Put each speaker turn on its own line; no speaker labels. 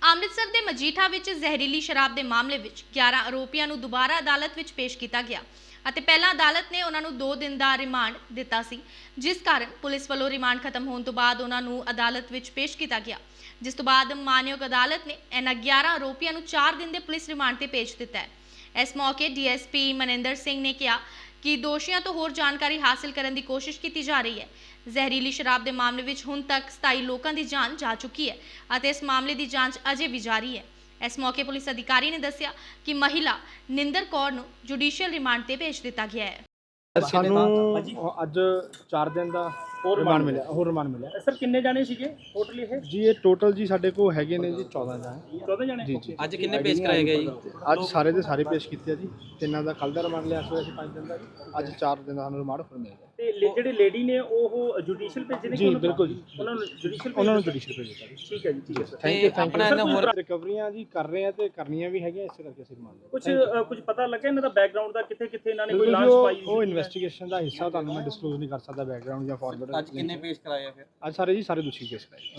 ਅੰਮ੍ਰਿਤਸਰ ਦੇ ਮਜੀਠਾ ਵਿੱਚ ਜ਼ਹਿਰੀਲੀ ਸ਼ਰਾਬ ਦੇ ਮਾਮਲੇ ਵਿੱਚ 11 ਆਰੋਪੀਆਂ ਨੂੰ ਦੁਬਾਰਾ ਅਦਾਲਤ ਵਿੱਚ ਪੇਸ਼ ਕੀਤਾ ਗਿਆ ਅਤੇ ਪਹਿਲਾਂ ਅਦਾਲਤ ਨੇ ਉਹਨਾਂ ਨੂੰ 2 ਦਿਨ ਦਾ ਰਿਮਾਂਡ ਦਿੱਤਾ ਸੀ, ਜਿਸ ਕਾਰਨ ਪੁਲਿਸ ਵੱਲੋਂ ਰਿਮਾਂਡ ਖਤਮ ਹੋਣ ਤੋਂ ਬਾਅਦ ਉਹਨਾਂ ਨੂੰ ਅਦਾਲਤ ਵਿੱਚ ਪੇਸ਼ ਕੀਤਾ ਗਿਆ, ਜਿਸ ਤੋਂ ਬਾਅਦ ਮਾਨਯੋਗ ਅਦਾਲਤ ਨੇ ਇਹਨਾਂ 11 ਆਰੋਪੀਆਂ ਨੂੰ 4 ਦਿਨ ਦੇ ਪੁਲਿਸ ਰਿਮਾਂਡ ਤੇ ਭੇਜ ਦਿੱਤਾ ਹੈ। ਇਸ ਮੌਕੇ ਡੀਐਸਪੀ ਮਨਿੰਦਰ ਸਿੰਘ ਨੇ ਕਿਹਾ ਕਿ ਦੋਸ਼ੀਆਂ ਤੋਂ ਹੋਰ ਜਾਣਕਾਰੀ ਹਾਸਲ ਕਰਨ ਦੀ ਕੋਸ਼ਿਸ਼ ਕੀਤੀ ਜਾ ਰਹੀ ਹੈ। ਜ਼ਹਿਰੀਲੀ ਸ਼ਰਾਬ ਦੇ ਮਾਮਲੇ ਵਿੱਚ ਹੁਣ ਤੱਕ 27 ਲੋਕਾਂ ਦੀ ਜਾਨ ਜਾ ਚੁੱਕੀ ਹੈ ਅਤੇ ਇਸ ਮਾਮਲੇ ਦੀ ਜਾਂਚ ਅਜੇ ਵੀ ਜਾਰੀ ਹੈ। ਇਸ ਮੌਕੇ ਪੁਲਿਸ ਅਧਿਕਾਰੀ ਨੇ ਦੱਸਿਆ ਕਿ ਮਹਿਲਾ ਨਿੰਦਰ ਕੌਰ ਨੂੰ ਜੁਡੀਸ਼ੀਅਲ ਰਿਮਾਂਡ ਤੇ ਭੇਜ ਦਿੱਤਾ ਗਿਆ ਹੈ।
ਸਾਨੂੰ ਅੱਜ 4 ਦਿਨ ਦਾ ਹੋਰ ਰਿਮਾਂਡ ਮਿਲਿਆ।
ਸਰ ਕਿੰਨੇ ਜਾਣੇ ਸੀਗੇ ਟੋਟਲ ਇਹ?
ਜੀ ਇਹ ਟੋਟਲ ਜੀ ਸਾਡੇ ਕੋਲ ਹੈਗੇ ਨੇ ਜੀ 14 ਜਾਣੇ।
14 ਜਾਣੇ
ਜੀ ਜੀ।
ਅੱਜ ਕਿੰਨੇ ਪੇਸ਼ ਕਰਾਏ ਗਏ ਜੀ?
ਅੱਜ ਸਾਰੇ ਦੇ ਸਾਰੇ ਪੇਸ਼ ਕੀਤੇ ਆ ਜੀ। ਤਿੰਨਾਂ ਦਾ ਕੱਲ੍ਹ ਦਾ ਰਿਮਾਂਡ ਲਿਆ ਸੀ ਅਸੀਂ 5 ਦਿਨ ਦਾ ਜੀ। ਅੱਜ 4 ਦਿਨ ਦਾ ਸਾਨੂੰ ਰਿਮਾਂਡ ਹੋਰ ਮਿਲ ਗਿਆ।
ਤੇ ਜਿਹੜੇ ਲੇਡੀ ਨੇ ਉਹ ਜੁਡੀਸ਼ੀਅਲ ਭੇਜੇ ਨੇ?
ਜੀ ਬਿਲਕੁਲ ਜੀ,
ਉਹਨਾਂ ਨੂੰ ਜੁਡੀਸ਼ੀਅਲ
ਭੇਜ ਦਿੱਤਾ ਜੀ।
ਠੀਕ ਹੈ ਜੀ, ਠੀਕ ਹੈ ਸਰ।
ਥੈਂਕ ਯੂ
ਆਪਣਾ ਇਹਨਾਂ ਹੋਰ
ਰਿਕਵਰੀਆਂ ਜੀ ਕਰ ਰਹੇ ਆ ਤੇ ਕਰਨੀਆਂ ਵੀ ਹੈਗੀਆਂ, ਇਸੇ ਕਰਕੇ ਅਸੀਂ ਰਿਮਾਂਡ
ਕੁਝ ਪਤਾ ਲੱਗਿਆ ਇਹਨਾਂ ਦਾ ਬੈਕਗ੍ਰਾਉਂਡ ਦਾ, ਕਿੱਥੇ ਇਹਨਾਂ ਨੇ ਕੋਈ ਲਾਂਚ
ਬਿਲਕੁਲ
ਪਾਈ?
ਉਹ ਇਨਵੈਸਟੀਗੇਸ਼ਨ ਦਾ ਹਿੱਸਾ ਤੁਹਾਨੂੰ ਮੈਂ ਡਿਸਕਲੋਜ਼ ਨਹੀਂ ਕਰ ਸਕਦਾ ਬੈਕਗ੍ਰਾਉਂਡ ਜਾਂ ਫਾਰਵਰਡ।
ਅੱਜ ਕਿੰਨੇ ਪੇਸ਼ ਕਰਾਏ ਆ ਫਿਰ?
ਅੱਜ ਸਾਰੇ ਜੀ ਸਾਰੇ ਦੋਸ਼ੀ ਕੇਸ ਕਰਾਏ।